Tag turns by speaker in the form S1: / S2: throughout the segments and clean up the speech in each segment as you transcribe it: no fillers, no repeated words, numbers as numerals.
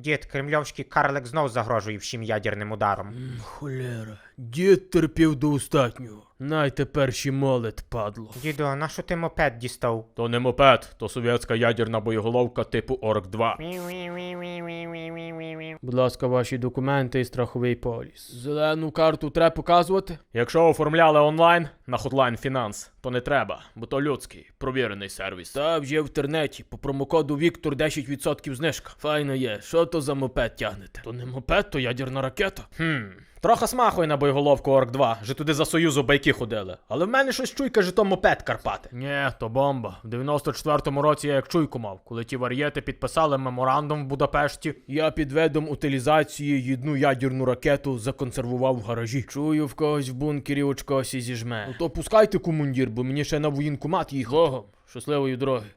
S1: Дід, кремльовський карлик знов загрожує всім ядерним ударом.
S2: Холера, дід терпів до остатнього. Най тепер ще молит, падло.
S1: Діду, а на що ти мопед дістав?
S2: То не мопед, то совєтська ядерна боєголовка типу Орк-2. Будь ласка, ваші документи і страховий поліс. Зелену карту треба показувати? Якщо оформляли онлайн на Hotline Finance, то не треба, бо то людський, провірений сервіс. Та вже в інтернеті, по промокоду Віктор 10% знижка. Файно є, що то за мопед тягнете? То не мопед, то ядерна ракета. Трохи смахує на боєголовку Орк-2, же туди за Союзу байки ходили. Але в мене щось чуйка, же то мопед Карпати. Нє, то бомба. В 94-му році я як чуйку мав, коли ті вар'єти підписали меморандум в Будапешті. Я під видом утилізації одну ядерну ракету законсервував в гаражі. Чую, в когось в бункері очкосі зіжме. Ну то пускайте комундір, бо мені ще на воєнкомат їх. Ого, щасливої дороги.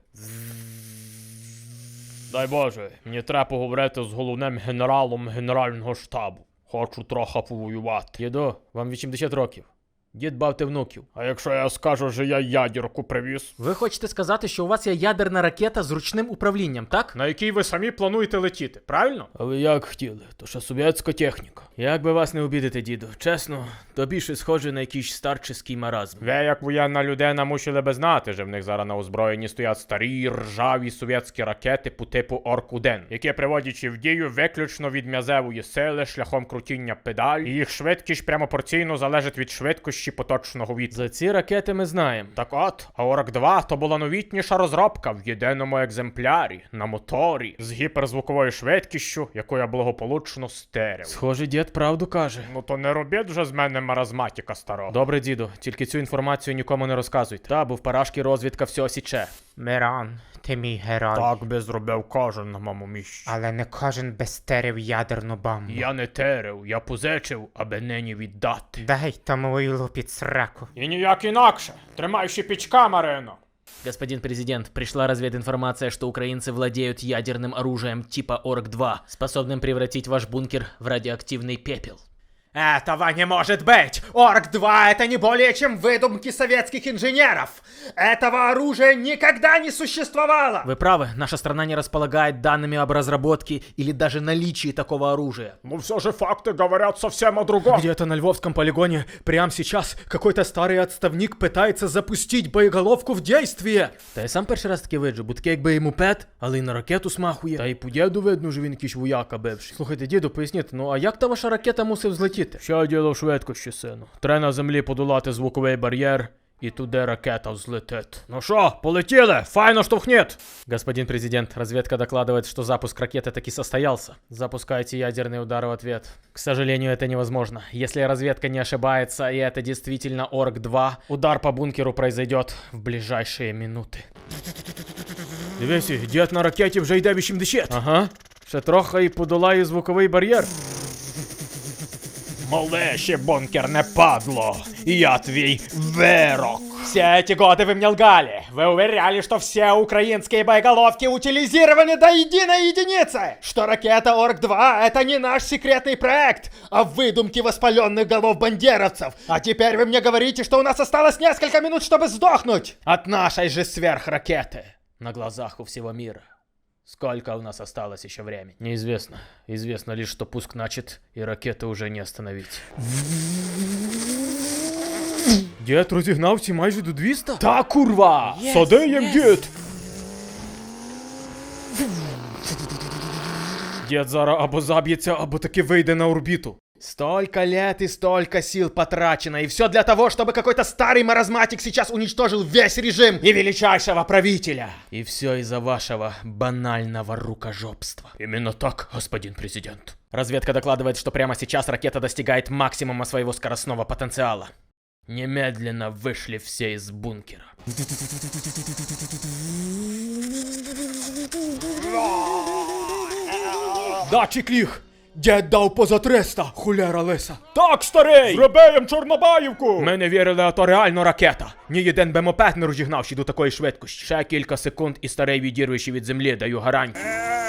S2: Дай Боже, мені треба поговорити з головним генералом Генерального штабу. Хочу трохи повоювати. Діду, вам 80 років. Дід бавте внуків. А якщо я скажу, що я ядерку привіз?
S3: Ви хочете сказати, що у вас є ядерна ракета з ручним управлінням, так?
S2: На якій ви самі плануєте летіти, правильно? А ви як хотіли, то що совєтська техніка. Як би вас не обідати, діду, чесно, то більше схоже на якийсь старческий маразм. Ви, як воєнна людина, мусили би знати, що в них зараз на озброєнні стоять старі, ржаві совєтські ракети по типу Орк-1, які приводячи в дію виключно від м'язевої сили шляхом крутіння педаль, і їх швидкість прямопорційно залежить від швидкості поточного вітру. За ці ракети ми знаємо. Так от, а Орк-2 то була новітніша розробка в єдиному екземплярі, на моторі, з гіперзвуковою швидкістю, яку я благополучно стерив. Схоже, дід правду каже. Ну то не робіть вже з мене маразматіка старого. Добре, діду, тільки цю інформацію нікому не розказуйте. Та, бо в парашки розвідка все січе.
S1: Мирон, ти мій герой.
S2: Так би зробив кожен на моєму місці.
S1: Але не кожен би стерив ядерну бомбу.
S2: Я не терив, я позичив, аби нині віддати.
S1: Дай тому вилу під сраку.
S2: І ніяк інакше. Тримай щепічка, Марино.
S3: Господин президент, пришла развединформация, что украинцы владеют ядерным оружием типа Орк-2, способным превратить ваш бункер в радиоактивный пепел.
S1: Этого не может быть! Орк-2 это не более чем выдумки советских инженеров! Этого оружия никогда не существовало!
S3: Вы правы, наша страна не располагает данными об разработке или даже наличии такого оружия.
S2: Ну все же факты говорят совсем о другом.
S4: Где-то на Львовском полигоне прямо сейчас какой-то старый отставник пытается запустить боеголовку в действие.
S3: Та я сам перший раз таки виджу, бо таке якби і мопед, але й на ракету смахує.
S4: Та й по діду видно, що він якийсь вояка бивший.
S3: Слухайте, діду, поясніть, ну а як та ваша ракета мусив злетіти?
S2: Що діло в швидкості, сину? Треба на землі подолати звуковий бар'єр, і туди ракета взлетить. Ну що, полетіли? Файно штовхніть!
S3: Господин президент, разведка докладывает, что запуск ракеты таки состоялся. Запускайте ядерный удар в ответ. К сожалению, это невозможно. Если разведка не ошибается, и это действительно Орк-2, удар по бункеру произойдет в ближайшие минуты.
S2: Дивися, дід на ракеті вже йде 80.
S3: Ага.
S2: Ще трохи і подолає звуковий бар'єр. Малеше, бункерне падло, я твій вирок.
S1: Все эти годы вы мне лгали. Вы уверяли, что все украинские боеголовки утилизированы до единой единицы. Что ракета Орк-2 это не наш секретный проект, а выдумки воспаленных голов бандеровцев. А теперь вы мне говорите, что у нас осталось несколько минут, чтобы сдохнуть от нашей же сверхракеты.
S3: На глазах у всего мира. Сколько у нас осталось еще времени?
S2: Неизвестно. Известно лишь, что пуск начат, и ракеты уже не остановить.
S4: Дід розігнався майже до 200?
S2: Та курва! Сади їм, дід! Дід зараз або заб'ється, або таки вийде на орбіту.
S1: Столько лет и столько сил потрачено, и все для того, чтобы какой-то старый маразматик сейчас уничтожил весь режим и величайшего правителя.
S3: И все из-за вашего банального рукожопства.
S2: Именно так, господин президент.
S3: Разведка докладывает, что прямо сейчас ракета достигает максимума своего скоростного потенциала. Немедленно вышли все из бункера.
S4: Датчик ліг! Дід дав поза 300, хуляра лиса.
S2: Так, старий! Зробив Чорнобаївку! Ми не вірили, а то реально ракета. Ні один би мопед не розігнавши до такої швидкості. Ще кілька секунд і старий відірвеши від землі, даю гарантію.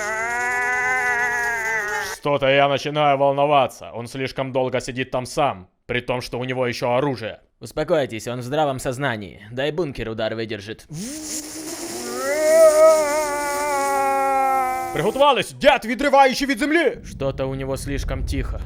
S2: Что-то я начинаю волноваться. Он слишком долго сидит там сам, при том, что у него еще оружие.
S3: Успокойтесь, он в здравом сознании. Дай бункер удар выдержит.
S2: Приготувались! Дед, відриваючи від землі! Что-то у него слишком тихо.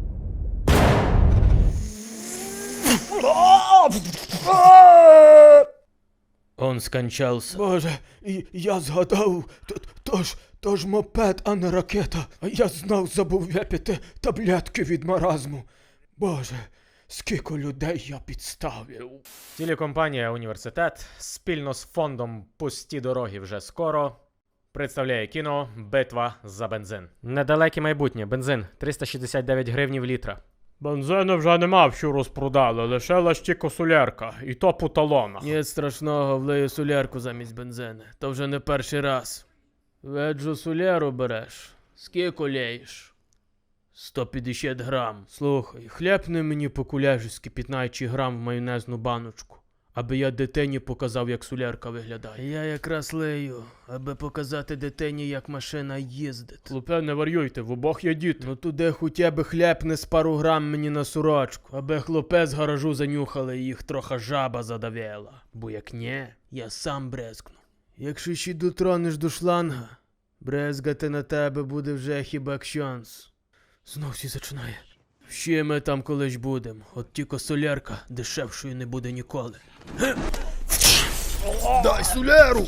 S2: Он скончался.
S4: Боже, я згадав, то ж мопед, а не ракета. А я знав, забув випити таблетки від маразму. Боже, скільки людей я підставив.
S2: Телекомпанія «Університет» спільно з фондом «Пусті дороги вже скоро» представляє кіно «Битва за бензин». Недалеке майбутнє. Бензин 369 гривнів літра. Бензину вже нема, що розпродали, лишилась тільки солярка, і то по талонах.
S3: Ні страшного, влию солярку замість бензини. То вже не перший раз. Веджу соляру береш. Скільки лєєш? 150 грам. Слухай, хлябни мені по куляжськи 15 грам в майонезну баночку, аби я дитині показав, як солярка виглядає. Я якраз лею, аби показати дитині, як машина їздить.
S2: Хлопе, не варюйте, в обох є діти.
S3: Ну туди хоча б хлябне з пару грам мені на сорочку, аби хлопе з гаражу занюхали і їх трохи жаба задавила. Бо як ні, я сам брезкну. Якщо ще дотронеш до шланга, брезгати на тебе буде вже хіба кшанс. Знов всі зачинає. Ще ми там колись будем, от тільки солярка дешевшою не буде ніколи.
S4: Дай соляру!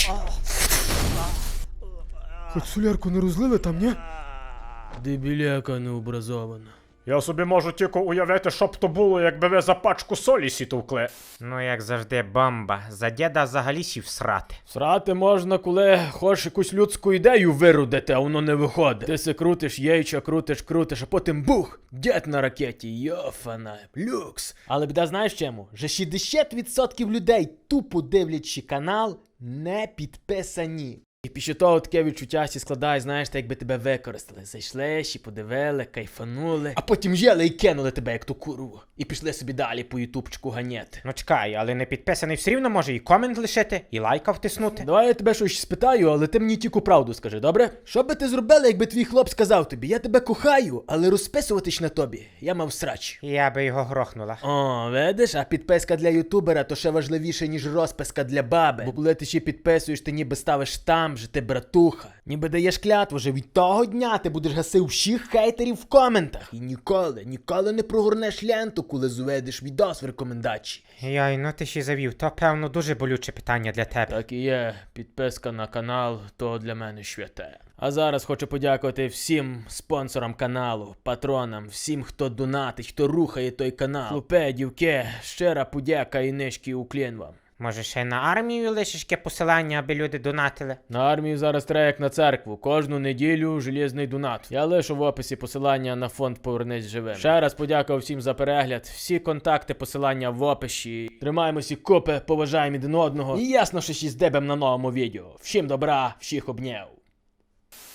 S4: Хоч солярку не розлили там, ні?
S3: Дебіляка необразована.
S2: Я собі можу тільки уявити, що б то було, якби ви за пачку солі сітовкли.
S5: Ну, як завжди, бомба. За діда взагалі сів срати.
S3: Срати можна, коли хочеш якусь людську ідею вирудити, а воно не виходить. Ти се крутиш яйча, крутиш, а потім бух! Дід на ракеті, йофана, люкс. Але біда знаєш чому? Вже 60% людей, тупо дивлячи канал, не підписані. І після того таке відчуття сі складає, знаєш, так якби тебе використали. Зайшли, ще подивили, кайфанули, а потім жели і кинули тебе, як ту курву. І пішли собі далі по ютубчику ганяти.
S5: Ну чекай, але не підписаний все рівно може і комент лишити, і лайка втиснути.
S3: Давай я тебе щось спитаю, але ти мені тільки правду скажи, добре? Що би ти зробила, якби твій хлоп сказав тобі, я тебе кохаю, але розписуватись на тобі, я мав срач.
S5: Я би його грохнула.
S3: О, видиш, а підписка для ютубера то ще важливіше, ніж розписка для баби. Бо коли ти ще підписуєш, ти ніби ставиш там же, ти братуха. Ніби даєш клятву, що від того дня ти будеш гасив всіх хейтерів в коментах. І ніколи не прогорнеш ленту, коли зведеш відос в рекомендації.
S5: Йой, ну ти ще завів, то певно дуже болюче питання для тебе.
S3: Так і є, підписка на канал, то для мене святе. А зараз хочу подякувати всім спонсорам каналу, патронам, всім, хто донатить, хто рухає той канал. Хлопе, дівки, щира подяка і низький уклін вам.
S5: Може ще на армію лишиш яке посилання, аби люди донатили?
S3: На армію зараз треба як на церкву. Кожну неділю железний донат. Я лишу в описі посилання на фонд «Повернись живим». Ще раз подякував всім за перегляд. Всі контакти, посилання в описі. Тримаємося купи, поважаємо один одного. І ясно, що ще здебем на новому відео. Всім добра, всіх обняв.